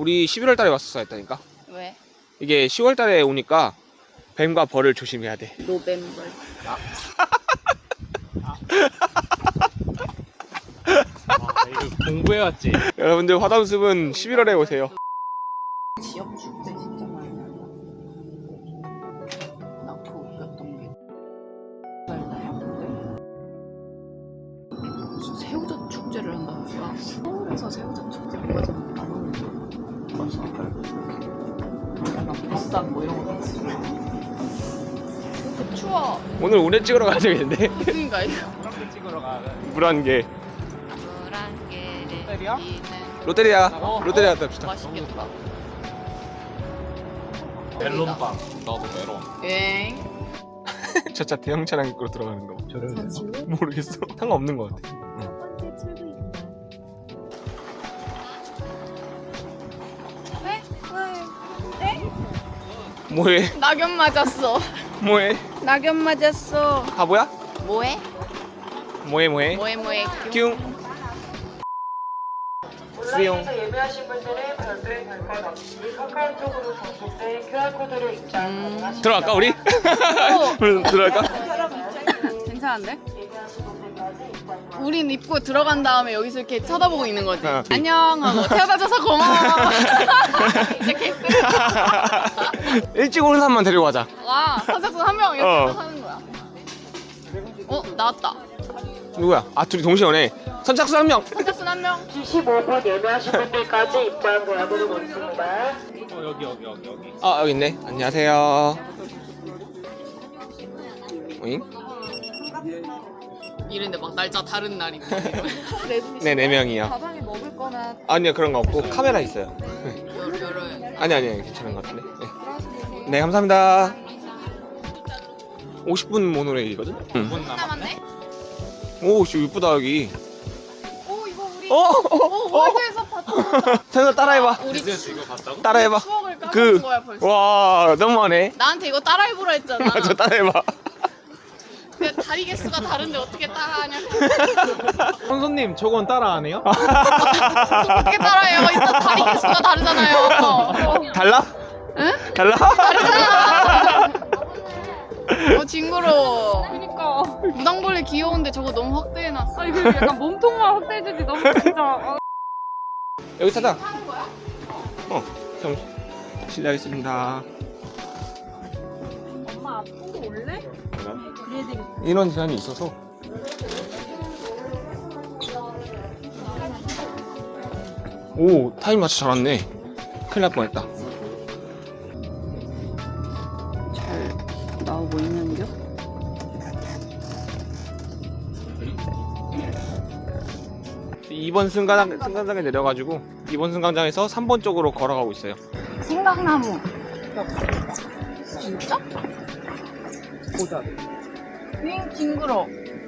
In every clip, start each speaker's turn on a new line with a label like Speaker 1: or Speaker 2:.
Speaker 1: 우리 11월 달에 왔었어야 했다니까.
Speaker 2: 왜?
Speaker 1: 이게 10월 달에 오니까 뱀과 벌을 조심해야 돼.
Speaker 2: 노뱀벌.
Speaker 3: 이거 공부해왔지.
Speaker 1: 여러분들 화담숲은 11월에 오세요.
Speaker 2: 지역 축제 진짜 많이 한다. 나그 웃겼던 게 알나요? 근데 무슨 새우젓 축제를 한다면서요? 서울에서 새우젓 축제가 좀 안 오는 거 약간 보쌈 뭐 이런 거 같이. 근데 추워.
Speaker 1: 오늘 운해 찍으러 가야 되겠는데.
Speaker 2: 그러니까 이거.
Speaker 3: 그렇게 찍으러 가.
Speaker 1: 물안개.
Speaker 2: 롯데리아?
Speaker 1: 롯데리아. 롯데리아 갔다 옵시다.
Speaker 2: 맛있겠다.
Speaker 3: 멜론빵. 나도 멜론.
Speaker 2: 엥?
Speaker 1: 저 차 대형 차량 입구로 들어가는 거.
Speaker 2: 잠시 후
Speaker 1: 모르겠어. 상관없는 것 같아.
Speaker 2: 첫 번째 출구입니다. 왜?
Speaker 1: 뭐해?
Speaker 2: 낙엽 맞았어.
Speaker 1: 뭐해?
Speaker 2: 낙엽 맞았어.
Speaker 1: 바보야?
Speaker 2: 뭐해?
Speaker 1: 뭐해 뭐해?
Speaker 2: 뭐해
Speaker 1: 뀨. 수용.
Speaker 4: 온라인에서 예매하신 분들은 별도의 별건 없이 카카오톡으로 접속된 QR코드를 입장 가능하십니다.
Speaker 1: 들어갈까 우리? 들어갈까?
Speaker 2: 괜찮은데? 우린 입구 들어간 다음에 여기서 이렇게 쳐다보고 있는 거지.
Speaker 1: 어.
Speaker 2: 안녕 하고 태워다줘서 고마워. 이제 개쓰.
Speaker 1: 일찍 오는 사람만 데리고 가자.
Speaker 2: 와 선착순 한 명 이렇게
Speaker 1: 어.
Speaker 2: 하는 거야. 나왔다.
Speaker 1: 누구야? 아 둘이 동시에 오네. 선착순 한 명.
Speaker 2: 선착순 한 명.
Speaker 4: 15분 예매하신 분들까지 입장 도와드리고 있습니다.
Speaker 3: 여기.
Speaker 1: 아 여기 있네. 안녕하세요. 오잉?
Speaker 2: 이런데 막 날짜 다른 날인데.
Speaker 1: 네, 4명이요.
Speaker 2: 가방에 먹을 거나
Speaker 1: 아니요, 그런 거 없고 카메라 있어요.
Speaker 2: 여러
Speaker 1: 아니, 괜찮은 것 같은데. 네, 감사합니다. 50분 모노레일이거든? 응.
Speaker 3: 5분 남았네.
Speaker 2: 남았네?
Speaker 1: 오, 씨, 이쁘다, 여기.
Speaker 2: 오 이거 우리
Speaker 1: 월드에서
Speaker 2: 봤던
Speaker 1: 태연아, 따라해봐.
Speaker 2: 우리
Speaker 3: 그래서 이거 봤다고?
Speaker 1: 따라해봐.
Speaker 2: 추억을 까먹은 거야 벌써.
Speaker 1: 와, 너무하네.
Speaker 2: 나한테 이거 따라해보라 했잖아.
Speaker 1: 맞아, 따라해봐.
Speaker 2: 근데 다리 개수가 다른데 어떻게 따라하냐.
Speaker 3: 선손님 저건 따라 안 해요?
Speaker 2: 어떻게 따라해요? 일단 다리 개수가 다르잖아요.
Speaker 1: 달라?
Speaker 2: 응?
Speaker 1: 달라?
Speaker 2: 다르잖아. 징그러워. 그니까. 무당벌레 귀여운데 저거 너무 확대해놨어.
Speaker 5: 이거 약간 몸통만 확대해주지 너무 진짜.
Speaker 1: 여기 타자. 형, 실례하겠습니다.
Speaker 5: 엄마 앞으로 올래? 그래야 되겠다.
Speaker 1: 인원 제한이 있어서. 오, 타임 맞춰 잘 왔네. 큰일 날 뻔했다.
Speaker 2: 잘 나오고 있는겨?
Speaker 1: 이번 승강장에 내려가지고 2번 승강장에서 3번 쪽으로 걸어가고 있어요.
Speaker 2: 생강나무. 진짜?
Speaker 1: 보자.
Speaker 2: 징그러.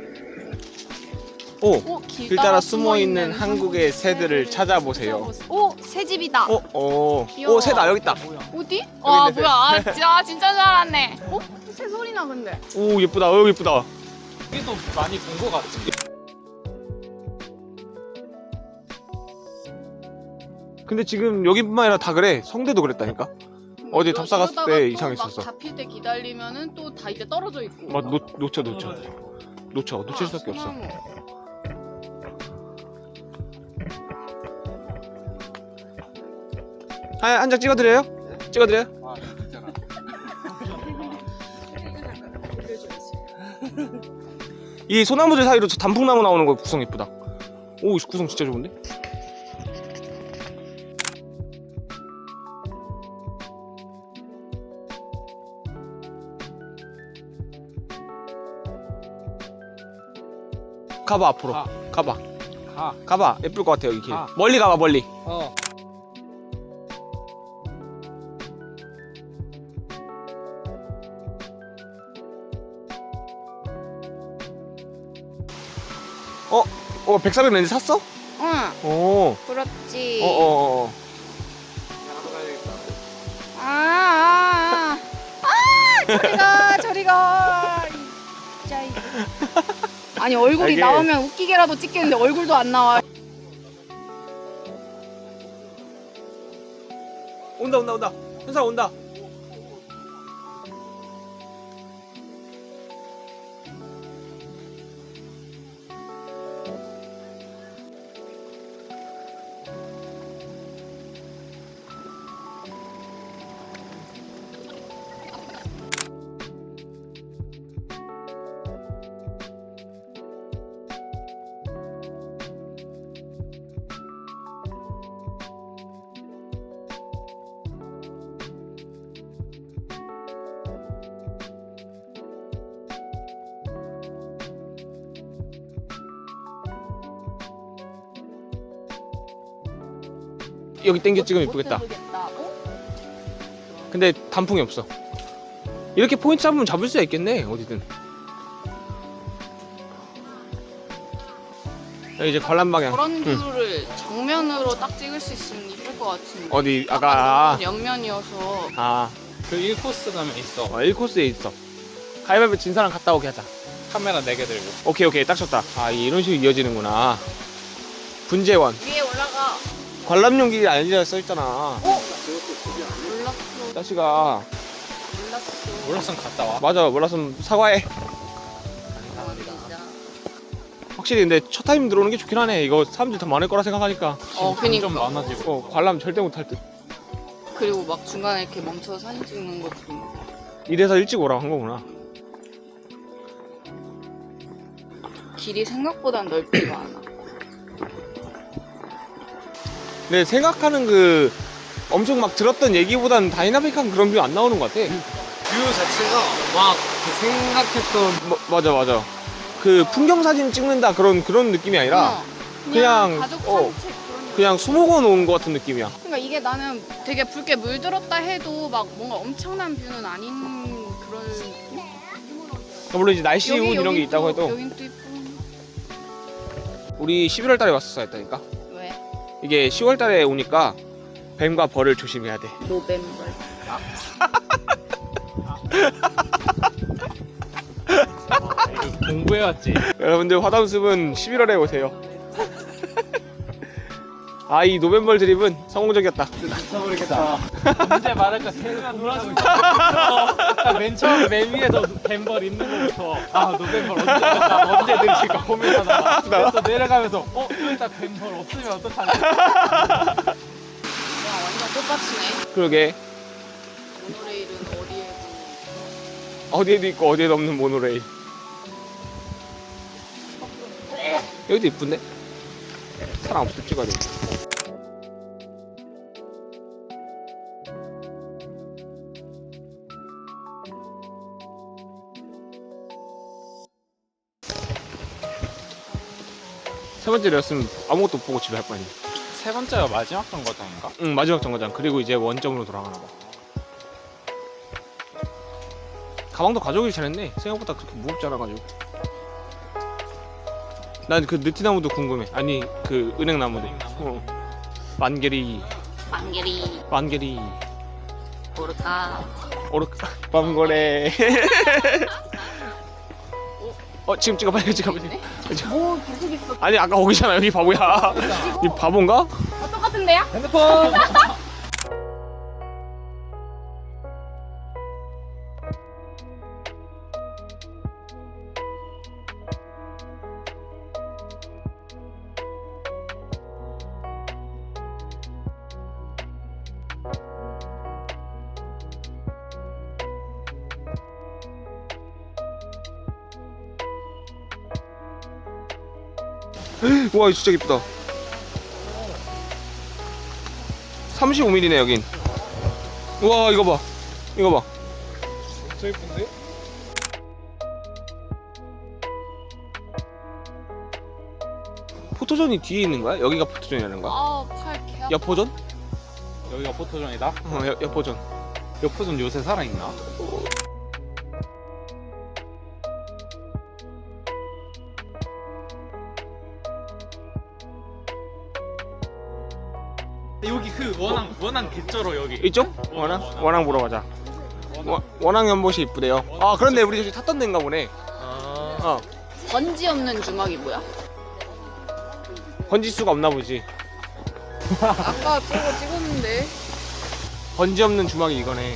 Speaker 1: 오, 길 따라 숨어 있는 한국의 새들을 찾아보세요.
Speaker 2: 오, 새집이다. 귀여워.
Speaker 1: 새다 여기 있다.
Speaker 2: 어디? 와
Speaker 1: 있네,
Speaker 2: 뭐야? 진짜 잘 알았네. 새 소리 나 근데.
Speaker 1: 오, 예쁘다. 예쁘다.
Speaker 3: 여기도 많이 본 거 같지.
Speaker 1: 근데 지금 여기뿐만 아니라 다 그래. 성대도 그랬다니까. 어제 답사 갔을
Speaker 2: 이러다가
Speaker 1: 때
Speaker 2: 또
Speaker 1: 이상했었어.
Speaker 2: 막 잡힐 때 기다리면은 또 다 이제 떨어져 있고.
Speaker 1: 막 놓칠 수밖에 없어.
Speaker 2: 소나무.
Speaker 1: 한 장 찍어드려요? 찍어드려요?
Speaker 3: 아, 진짜라.
Speaker 1: 이 소나무들 사이로 저 단풍나무 나오는 거 구성 예쁘다. 오, 구성 진짜 좋은데? 가봐 앞으로. 가봐. 가봐. 예쁠 것 같아 여기 길. 멀리 가봐 멀리. 백사백 렌즈 샀어?
Speaker 2: 응,
Speaker 1: 오.
Speaker 2: 그렇지. 저리 가. 진짜 이거. 아니 얼굴이
Speaker 1: 이게-
Speaker 2: 나오면 웃기게라도 찍겠는데 얼굴도 안 나와.
Speaker 1: 온다 온다 온다. 현상 온다. 여기 땡겨 찍으면 이쁘겠다. 근데 단풍이 없어. 이렇게 포인트 잡으면 잡을 수가 있겠네. 어디든. 여기 이제 관람 방향.
Speaker 2: 그런 뷰를 정면으로 딱 찍을 수 있으면 이쁠 것 같은데.
Speaker 1: 어디 아까
Speaker 2: 옆면이어서.
Speaker 3: 그 1코스 가면 있어.
Speaker 1: 1코스에 있어. 가위바위보 진 사람 갔다 오게 하자.
Speaker 3: 카메라 4개 들고.
Speaker 1: 오케이 딱 쳤다. 아 이런 식으로 이어지는구나. 분재원.
Speaker 2: 위에 올라가.
Speaker 1: 관람용 길이 아니라 써있잖아.
Speaker 2: 몰랐어.
Speaker 1: 자식아.
Speaker 3: 몰랐으면 갔다 와.
Speaker 1: 맞아 몰랐으면 사과해. 확실히 근데 첫 타임 들어오는 게 좋긴 하네. 이거 사람들 더 많을 거라 생각하니까.
Speaker 2: 그니까.
Speaker 3: 좀 많아지고.
Speaker 1: 관람 절대 못할 듯.
Speaker 2: 그리고 막 중간에 이렇게 멈춰서 사진 찍는 것도.
Speaker 1: 이래서 일찍 오라고 한 거구나.
Speaker 2: 길이 생각보다 넓지가 않아.
Speaker 1: 근데 생각하는 그 엄청 막 들었던 얘기보다는 다이나믹한 그런 뷰 안 나오는 것 같아.
Speaker 3: 뷰 자체가 막 생각했던.
Speaker 1: 맞아. 그 풍경 사진 찍는다 그런 느낌이 아니라 그냥,
Speaker 2: 가족 산책 그런.
Speaker 1: 그냥 수목원 온 것 같은 느낌이야.
Speaker 2: 그러니까 이게 나는 되게 붉게 물들었다 해도 막 뭔가 엄청난 뷰는 아닌 그런 느낌?
Speaker 1: 물론 이제 날씨 운 이런 게
Speaker 2: 여긴
Speaker 1: 있다고
Speaker 2: 또,
Speaker 1: 해도
Speaker 2: 여긴 또 이쁜.
Speaker 1: 우리 11월 달에 왔었어야 했다니까.
Speaker 2: 왜?
Speaker 1: 이게 10월 달에 오니까 뱀과 벌을 조심해야 돼.
Speaker 2: 노벤벌.
Speaker 3: 공부해왔지.
Speaker 1: 여러분들 화담숲은 11월에 오세요. 아 이 노벤벌 드립은 성공적이었다.
Speaker 3: 미쳐버리겠다. 언제 말할까 생각 놀아주고 있어. 맨 처음 맨 위에서 뱀벌 있는 거부터 노벤벌 언제 될까 언제 될까 고민하다가 그래서 내려가면서 여기 딱 뱀벌 없으면 어떡하지?
Speaker 2: 와 완전 똑같이네.
Speaker 1: 그러게
Speaker 2: 모노레일은 어디에도.
Speaker 1: 어디에도 있고 어디에도 없는 모노레일. 여기도 이쁜데? 사람 없을 때 찍어야 돼. 세 번째였으면 아무것도 못 보고 집에 할 거 아니야.
Speaker 3: 세 번째가 마지막 정거장인가?
Speaker 1: 응 마지막 정거장. 그리고 이제 원점으로 돌아가나 봐. 가방도 가져오길 잘했네. 생각보다 그렇게 무겁지 않아가지고. 난 그 느티나무도 궁금해. 아니 그 은행나무도. 만개리
Speaker 2: 만개리. 모르까.
Speaker 1: 오르카 밤거래. 지금 찍어 빨리 찍어.
Speaker 2: 뭐 계속 있어.
Speaker 1: 아니 아까 거기잖아 여기 바보야. 이 바본가?
Speaker 2: 똑같은데요?
Speaker 3: 핸드폰!
Speaker 1: 와 진짜 예쁘다. 35mm네 여긴. 와 이거 봐.
Speaker 3: 진짜 예쁜데?
Speaker 1: 포토존이 뒤에 있는 거야? 여기가 포토존이라는 거야?
Speaker 2: 팔 개.
Speaker 1: 여포존?
Speaker 3: 여기가 포토존이다?
Speaker 1: 여포존.
Speaker 3: 여포존 요새 살아있나? 여기 그 원앙 개쩔어 여기.
Speaker 1: 이쪽? 원앙 보러 가자. 원앙 연못이 이쁘대요. 아 그런데 우리 저기 탔던 데인가 보네.
Speaker 2: 번지 없는 주먹이 뭐야?
Speaker 1: 번지수가 없나 보지.
Speaker 2: 아까 저거 찍었는데.
Speaker 1: 번지 없는 주먹이 이거네.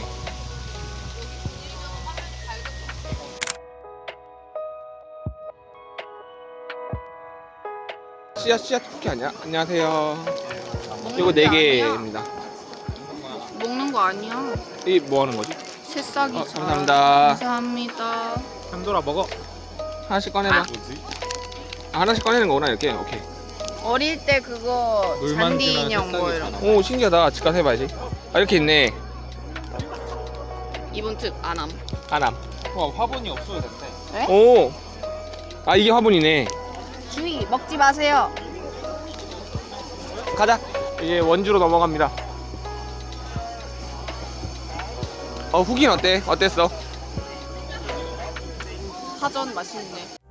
Speaker 1: 씨앗 쿠키 아니야? 안녕하세요. 이거 4개입니다.
Speaker 2: 먹는 거 아니야.
Speaker 1: 이 뭐 하는 거지?
Speaker 2: 새싹이죠.
Speaker 1: 감사합니다.
Speaker 2: 감사합니다.
Speaker 3: 현돌아 먹어.
Speaker 1: 하나씩 꺼내봐. 하나씩 꺼내는 거구나 이렇게. 오케이.
Speaker 2: 어릴 때 그거
Speaker 3: 물만
Speaker 2: 잔디
Speaker 3: 주는
Speaker 2: 인형 뭐
Speaker 3: 새싹이
Speaker 2: 이런 거.
Speaker 1: 오 신기하다. 집 가서 해봐야지. 아 이렇게 있네.
Speaker 2: 이번 특 안함.
Speaker 1: 아남.
Speaker 3: 와 화분이 없어도 된대.
Speaker 1: 오. 아 이게 화분이네.
Speaker 2: 주의 먹지 마세요.
Speaker 1: 가자. 이제 원주로 넘어갑니다. 후기는 어때? 어땠어?
Speaker 2: 파전 맛있네.